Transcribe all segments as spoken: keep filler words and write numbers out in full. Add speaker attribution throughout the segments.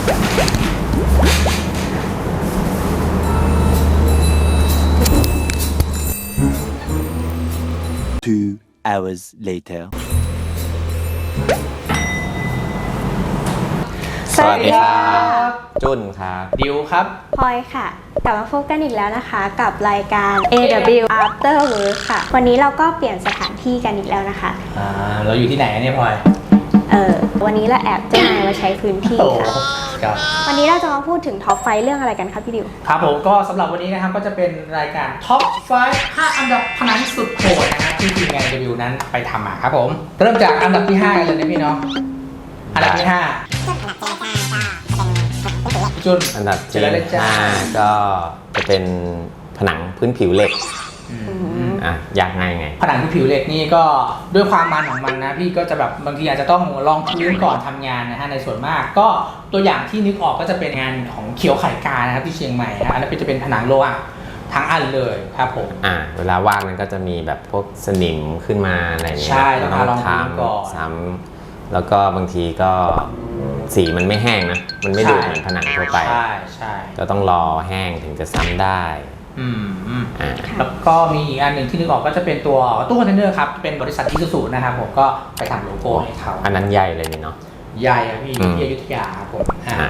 Speaker 1: Two hours later.
Speaker 2: สวัสดีครับจุนครับ
Speaker 3: ดิวครับ
Speaker 4: พลอยค่ะ กลับมาพบกันอีกแล้วนะคะกับรายการ เอ ดับเบิลยู After Work ค่ะ วันนี้เราก็เปลี่ยนสถานที่กันอีกแล้วนะคะ
Speaker 3: อ่า เราอยู่ที่ไหนเนี่ยพลอย
Speaker 4: เออวันนี้เราแอบเจ้านายมาใช้พื้นที่
Speaker 3: โอ้
Speaker 4: ค่ะ
Speaker 3: ครับ
Speaker 4: วันนี้เราจะมาพูดถึงท็อปไฟเรื่องอะไรกันครับพี่ดิว
Speaker 3: ครับผมก็สำหรับวันนี้นะครับก็จะเป็นรายการท็อปไฟว์ห้าอันดับพนันสุดโหดนะครับที่ทีมงานรีวิวนั้นไปทำมาครับผม เริ่มจากอันดับที่ห้ากันเลยนะพี่เนาะอันดับที่ห้าจุน
Speaker 2: อันดับ
Speaker 3: เจ
Speaker 2: ที่
Speaker 3: อเลยจ้า
Speaker 2: ห้าก็จะเป็นผนังพื้นผิวเหล็กอ่ะยากง่ายไง
Speaker 3: ผนังที่ผิวเหล็กนี่ก็ด้วยความมันของมันนะพี่ก็จะแบบบางทีอาจจะต้องลองพื้นก่อนทำงานนะฮะในส่วนมากก็ตัวอย่างที่นึกออกก็จะเป็นงานของเขียวไข่กานะครับที่เชียงใหม่นะอันนั้นจะเป็นผนังโลหะทั้งอันเลยครับผม
Speaker 2: อ่ะเวลาวาดมันก็จะมีแบบพวกสนิมขึ้นมาอะไรอย่างเงี้ย
Speaker 3: ใช่
Speaker 2: เรา
Speaker 3: ต้อง
Speaker 2: ต้
Speaker 3: ล
Speaker 2: อ
Speaker 3: อง
Speaker 2: งท
Speaker 3: พื้นก่อน
Speaker 2: ำซ้ำแล้วก็บางทีก็สีมันไม่แห้งนะมันไม่ดูดเหมือนผนังทั่วไป
Speaker 3: ใช่ใช่
Speaker 2: ก็ต้องรอแห้งถึงจะซ้ำได้
Speaker 3: อืมอืม
Speaker 2: อ่า
Speaker 3: แล้วก็มีอีกอันหนึ่งที่นึกออกก็จะเป็นตัวตู้คอนเทนเนอร์ครับเป็นบริษัทอิซูซุนะครับผมก็ไปทำโลโก้ให้เขา
Speaker 2: อันนั้นใหญ่เลยนี่เนาะ
Speaker 3: ใหญ่อะพี่
Speaker 2: อืม
Speaker 3: ที่อยุธยาครับผมอ่า
Speaker 2: อ่ะ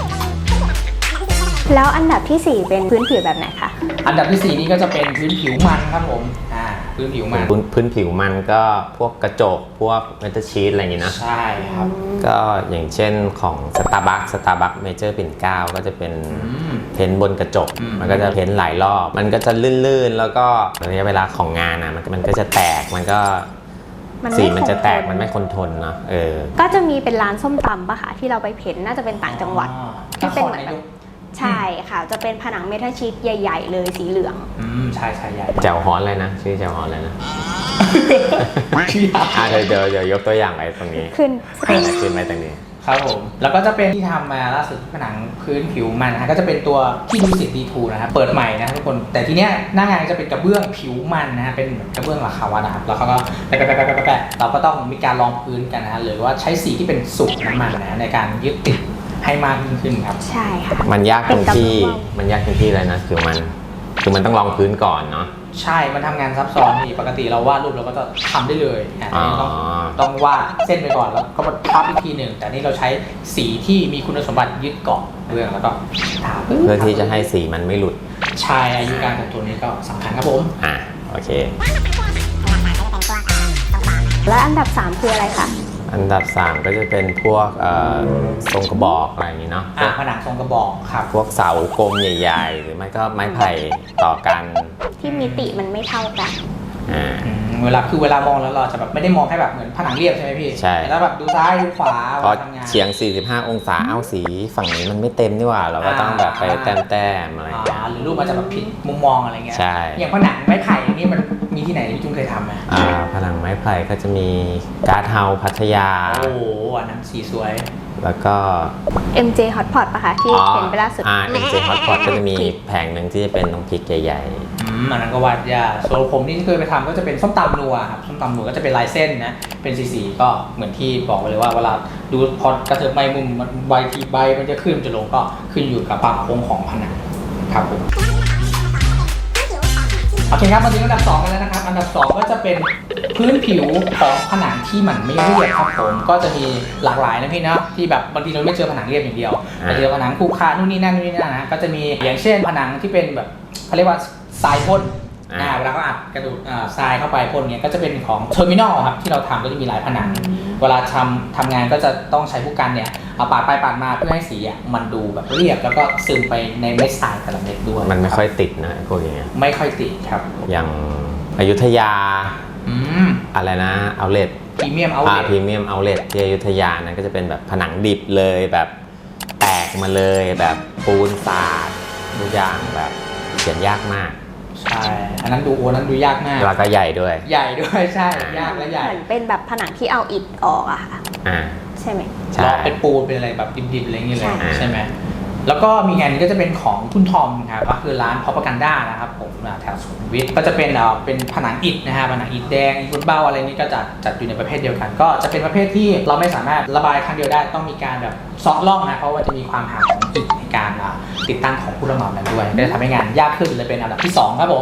Speaker 4: แล้วอันดับที่สี่เป็นพื้นผิวแบบไหนคะ
Speaker 3: อันดับที่สี่นี่ก็จะเป็นพื้นผิวมันครับผมอ่าพื้นผิวมัน
Speaker 2: พื้นพื้นผิวมันก็พวกกระจกพวกเมทัลชีทอะไรอย่างงี้นะ
Speaker 3: ใช่ครับ
Speaker 2: ก็อย่างเช่นของ Starbucks Starbucks Major ปิ่นเกล้าก็จะเป็น
Speaker 3: อืม
Speaker 2: เพ้นท์บนกระจก
Speaker 3: อืม
Speaker 2: มันก็จะเพ้นท์หลายรอบ มันก็จะลื่นๆ แล้วก็ระยะเวลาของงานนะมันมันก็จะแตก มันก็
Speaker 4: มันไม่
Speaker 2: สีมันจะแตก
Speaker 4: คงทน
Speaker 2: มันไม่คงทนเนาะ เออ
Speaker 4: ก็จะมีเป็นร้านส้มตำปะคะที่เราไปเพ้นน่าจะเป็นต่างจังหวัด
Speaker 3: อ๋อ
Speaker 4: ที่เป็นเหมื
Speaker 3: น
Speaker 4: อน
Speaker 3: คร
Speaker 4: แบ
Speaker 3: นาย
Speaker 4: บ
Speaker 3: ก
Speaker 4: ใช่ค่ะ จะเป็นผนังเมทัลชีตใหญ่ ๆ เลยสีเหลือง
Speaker 3: อืมใช่ใช่ใหญ่
Speaker 2: แจ่วฮอนเลยนะ ชื่อแจ่วฮอนเลยนะ
Speaker 3: ชื่อยาว
Speaker 2: อ่ะเดี๋ยวเดี๋ยวเดี๋ยวยกตัวอย่างไปตรงนี้
Speaker 4: ขึ้น
Speaker 2: อ่ะขึ้นไปตรงนี้
Speaker 3: ครับผมแล้วก็จะเป็นที่ทำมาล่าสุดผนังพื้นผิวมันนะฮะก็จะเป็นตัวที่ดูสิตดีทูนะครับเปิดใหม่นะทุกคนแต่ทีเนี้ยหน้างานจะเป็นกระเบื้องผิวมันนะฮะเป็นเหมือนกระเบื้องราคาวัดนะครับแล้วเขาก็แปะแปะแปะแปะแปะเราก็ต้องมีการรองพื้นกันนะฮะหรือว่าใช้สีที่เป็นสูตรน้ำมันนะในการยึดติดให้มากยิ่งขึ้นครับ
Speaker 4: ใช่ค่ะ
Speaker 2: มันยากตรงที่
Speaker 4: เป็นกระเบื้อง
Speaker 2: มันยากตรงที่อะไรนะ คือมัน คือมันต้องรองพื้นก่อนเนาะ
Speaker 3: ใช่มันทำงานซับซ้อนนี่ปกติเราวาดรูปเราก็จะทำได้เลยอ่ะ
Speaker 2: อ๋อ
Speaker 3: ต้องต้องวาดเส้นไปก่อนแล้วก็มาพับอีกทีหนึ่งแต่นี่เราใช้สีที่มีคุณสมบัติยึดเกาะเรื่องแล้วก็ทา
Speaker 2: เพื่อที่จะให้สีมันไม่หลุด
Speaker 3: ใช่อายุการของตัวนี้ก็สำคัญครับผม
Speaker 2: อ่ะ โอเค
Speaker 4: และอันดับสามคืออะไรคะ
Speaker 2: อันดับสามก็จะเป็นพวกเอ่อทรงกระบอกอะไรอย่างนี้เนาะพว
Speaker 3: อ่ะ
Speaker 2: ก
Speaker 3: ผนังทรงกระบอกครับ
Speaker 2: พวกเสากลมใหญ่ๆ หรือไม่ก็ไม้ไผ่ต่อกัน
Speaker 4: ที่มิติมันไม่เท่ากัน
Speaker 2: อ่า
Speaker 3: อืมเวลาคือเวลามองแล้วเราจะแบบไม่ได้มองแค่แบบเหมือนผนังเรียบใช่ไหมพี่
Speaker 2: ใช่
Speaker 3: แล้วแบบดูซ้ายดูขวา
Speaker 2: พอ
Speaker 3: เวลาทำงาน
Speaker 2: เฉียง สี่สิบห้า องศา เอาสีฝั่งนี้มันไม่เต็มนี่หว่า เราก็ต้องแบบไปแต้มๆอะไรอย่างเงี้ย
Speaker 3: อ่าหรือรูปมันจะแบบผิดมุมมองอะไรเงี้ย
Speaker 2: ใช่
Speaker 3: อย่างผนังไม้ไผ่นี่มันมีที่ไหนที่พี่จุ้งเคยทำไหม
Speaker 2: อ่าผนังไม้ไผ่ก็จะมีการ์ดเฮาส์พัทยา
Speaker 3: โอ้โหอันนั้นสีสวย
Speaker 2: แล้วก็
Speaker 4: เอ็ม เจ Hotpot ปะคะที่เห็นไปล่าสุด
Speaker 2: อ่า เอ็ม เจ Hotpot ก็จะมีแผงหนึ่งที่จะเป็นน้องพริกใหญ่
Speaker 3: อืมอันนั้นก็วาดยากส่วนผมที่เคยไปทำก็จะเป็นส้มตำนัวครับส้มตำนัวก็จะเป็นลายเส้นนะเป็นสีๆก็เหมือนที่บอกไปเลยว่าเวลาดูพอกระเถิบใบมุมมันใบทีใบมันจะขึ้นมันจะลงก็ขึ้นอยู่กับความโค้งของผนังครับผมโอเคครับมาถึงอันดับสองกันแล้วนะครับอันดับสองก็จะเป็นพื้นผิวของผนังที่มันไม่เรียบครับผมก็จะมีหลากหลายนะพี่เนาะที่แบบบางทีเราไม่เจอผนังเรียบอย่างเดียวแต่เจอผนังคู่ค่านู่นนี่นั่นนู่นนี่นั่นนะก็จะมีอย่างเช่นผนังที่เป็นแบบเขาเรียกว่าทรายพ่น อ่าเวลาเขาอัดกระดูกอ่าทรายเข้าไปพ่นเนี้ยก็จะเป็นของเทอร์มินอลครับที่เราทำก็จะมีหลายผนัง เวลาทำทำงานก็จะต้องใช้ผู้กันเนี่ยเอาปาดไปปาดมาเพื่อให้สีอ่ะมันดูแบบเรียบแล้วก็ซึมไปในเม็ดทรายแต่ละเม็ดด้วย
Speaker 2: ๆ มันไม่ค่อยติดนะไอ้พวกอย่างเงี้ย
Speaker 3: ไม่ค่อยติดครับ
Speaker 2: อย่างอยุธยา
Speaker 3: อืม
Speaker 2: อะไรนะเอาเลท
Speaker 3: พรีเมียมเอา
Speaker 2: อ่า
Speaker 3: เล
Speaker 2: พรีเมียมเอาเลทที่อยุธยานะก็จะเป็นแบบผนังดิบเลยแบบแตกมาเลยแบบปูนสาดทุกอย่างแบบเขียนยากมาก
Speaker 3: ใช่อันนั้นดูโอ้นั้นดูยากมาก
Speaker 2: แล้วก็ใหญ่ด้วย
Speaker 3: ใหญ่ด้วยใช่ยากและใหญ่
Speaker 4: เหมือนเป็นแบบผนังที่เอาอิฐออกอะค่ะ
Speaker 2: อ่า
Speaker 4: ใช่ไหม
Speaker 2: ใช่
Speaker 3: แล้วเป็นปูนเป็นอะไรแบบดิบๆอะไรอย่างเงี้ยเลย
Speaker 4: ใช่
Speaker 3: ใช่ไหมแล้วก็มีงานนี้ก็จะเป็นของคุณทอมครับก็คือร้าน Propaganda นะครับผมแถวสุขุมวิทก็จะเป็นเอ่อเป็นผนังอิฐนะฮะผนังอิฐแดงอิฐเบ้าอะไรนี้ก็จะจัดอยู่ในประเภทเดียวกัน ก็จะเป็นประเภทที่เราไม่สามารถระบายครั้งเดียวได้ต้องมีการแบบเซาะร่องนะเพราะว่าจะมีความห่างของอิฐในการอ่ะติดตั้งของผู้รับเหมานั้นด้วยก็จะทำให้งานยากขึ้นเลยเป็นอันดับที่สองครับผม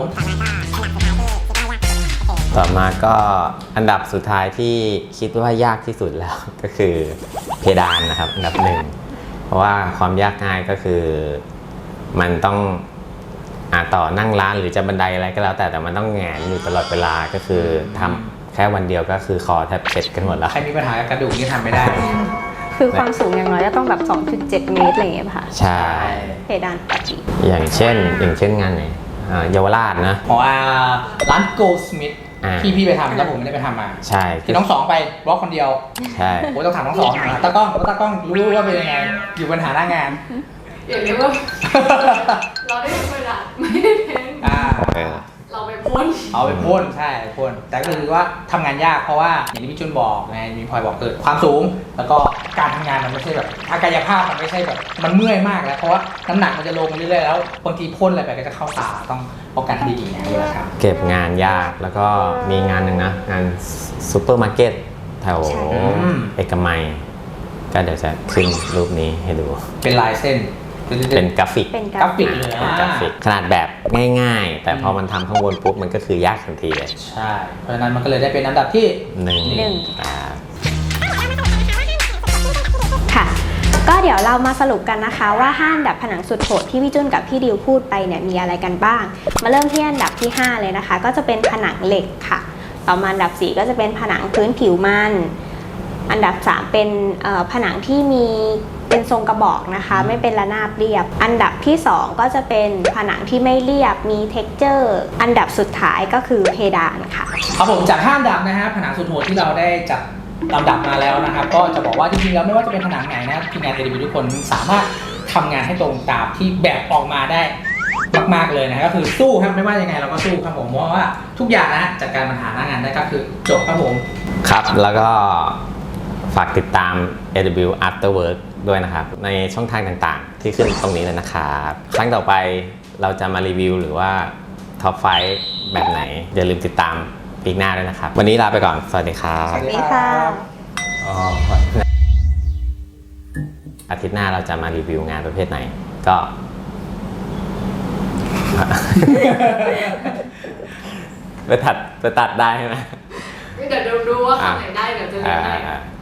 Speaker 2: ต่อมาก็อันดับสุดท้ายที่คิดว่ายากที่สุดแล้ว ก็คือเพดานนะครับอันดับหนึ่งเพราะว่าความยากง่ายก็คือมันต้องอาต่อนั่งร้านหรือจะบันไดอะไรก็แล้วแต่แต่มันต้องแหงนอยู่ตลอดเวลาก็คือทำแค่วันเดียวก็คือคอแทบเช็ดกันหมดแล้ว
Speaker 3: ใครมีปัญหากับกระดูกนี่ทำไม่ได้
Speaker 4: คือความสูงอย่างน้อยก็ต้องแบบ สองจุดเจ็ด เมตรอะไรอย่างเงี้ยป่ะคะ
Speaker 2: ใช่
Speaker 4: เพดานปกติ
Speaker 2: อย่างเช่นอย่างเช่นงานไหนอ่าเยาวราชนะ
Speaker 3: หมออาร้าน Goldsmith
Speaker 2: อ่า
Speaker 3: ที่พี่ไปทำแล้วผมไม่ได้ไปทำมา
Speaker 2: ใช่
Speaker 3: คือน้องสองไปบล็อกคนเดียว
Speaker 2: ใช่
Speaker 3: โอ้ต้องถามน้องสองนะตากล้องตากล้องรู้ว่าเป็นยังไงอยู่ปัญหาหน้างาน
Speaker 5: อย่าเรียกว่าเราได้เป็นประดับไม่ได้เพ้น
Speaker 3: อ่า
Speaker 2: เออ
Speaker 5: เราไปพ่น
Speaker 3: เอาไปพ่นใช่พ่นแต่ก็คือว่าทำงานยากเพราะว่าอย่างที่พี่จุนบอกไงมีพลอยบอกเกิดความสูง แล้วก็การทำงานมันไม่ใช่แบบอากายภาพมันไม่ใช่แบบมันเมื่อยมากแล้วเพราะว่าน้ำหนักมันจะลงเรื่อยๆแล้วบางทีพ่นอะไรไปก็จะเข้าตาต้องป้องกันให้ดีๆนะเวลาทำ
Speaker 2: เก็บงานยากแล้วก็มีงานหนึ่งนะงานซูเปอร์มาร์เก็ตแถว
Speaker 4: ใช่
Speaker 2: เอกมัยก็เดี๋ยวจะขึ้นรูปนี้ให้ดู
Speaker 3: เป็นลายเส้น
Speaker 2: เป็นกราฟิก
Speaker 4: เป็นก
Speaker 3: ก
Speaker 4: รา
Speaker 3: รา
Speaker 4: ฟิ
Speaker 3: ฟิ
Speaker 4: ก
Speaker 3: กเลย
Speaker 2: อ่ากราฟิกขนาดแบบง่ายๆ แต่พอมันทำข้างบนปุ๊บมันก็คือยากทันทีเลย
Speaker 3: ใช่ เพราะฉะนั้นมันก็เลยได้เป็นอันดับที่
Speaker 2: หนึ่ง
Speaker 4: หนึ่ง
Speaker 2: อ่า
Speaker 4: ค่ะ ก็เดี๋ยวเรามาสรุปกันนะคะว่าห้าอันดับผนังสุดโหดที่พี่จุนกับพี่ดิวพูดไปเนี่ยมีอะไรกันบ้าง มาเริ่มที่อันดับที่ห้าเลยนะคะ ก็จะเป็นผนังเหล็กค่ะ ต่อมาอันดับสี่ก็จะเป็นผนังพื้นผิวมันอันดับสามเป็นเอ่อผนังที่มีเป็นทรงกระบอกนะคะ ไม่เป็นระนาบเรียบ อันดับที่สองก็จะเป็นผนังที่ไม่เรียบมี texture อันดับสุดท้ายก็คือเพดานค่ะ
Speaker 3: ครับผมจากห้าอันดับนะฮะผนังสุดโหดที่เราได้จัดลำดับมาแล้วนะครับก็จะบอกว่าจริงๆแล้วไม่ว่าจะเป็นผนังไหนนะทีมงาน เอ ดี บี ทุกคนสามารถทำงานให้ตรงตามที่แบบออกมาได้มากๆเลยนะก็คือสู้ครับไม่ว่ายังไงเราก็สู้ครับผมเพราะว่าทุกอย่างนะจัดการปัญหาหน้างานได้ก็คือจบครับผม
Speaker 2: ครับแล้วก็ฝากติดตาม เอ ดับเบิลยู After Work ด้วยนะครับ ในช่องทางต่างๆ ที่ขึ้นตรงนี้เลยนะครับครั้งต่อไปเราจะมารีวิวหรือว่าท็อปไฟว์แบบไหน อย่าลืมติดตามปีหน้าด้วยนะครับ วันนี้ลาไปก่อน สวัสดีครับ
Speaker 3: สวัสดี
Speaker 4: นี่ค่ะ
Speaker 2: อ๋ออาทิตย์หน้าเราจะมารีวิวงานประเภทไหน ก็ ไปตัดไปตัดได้ใช่ไหม
Speaker 5: เดี๋ยวดูว่าคำไหนได้เดี๋ยวจะเรียนได้
Speaker 2: อ่า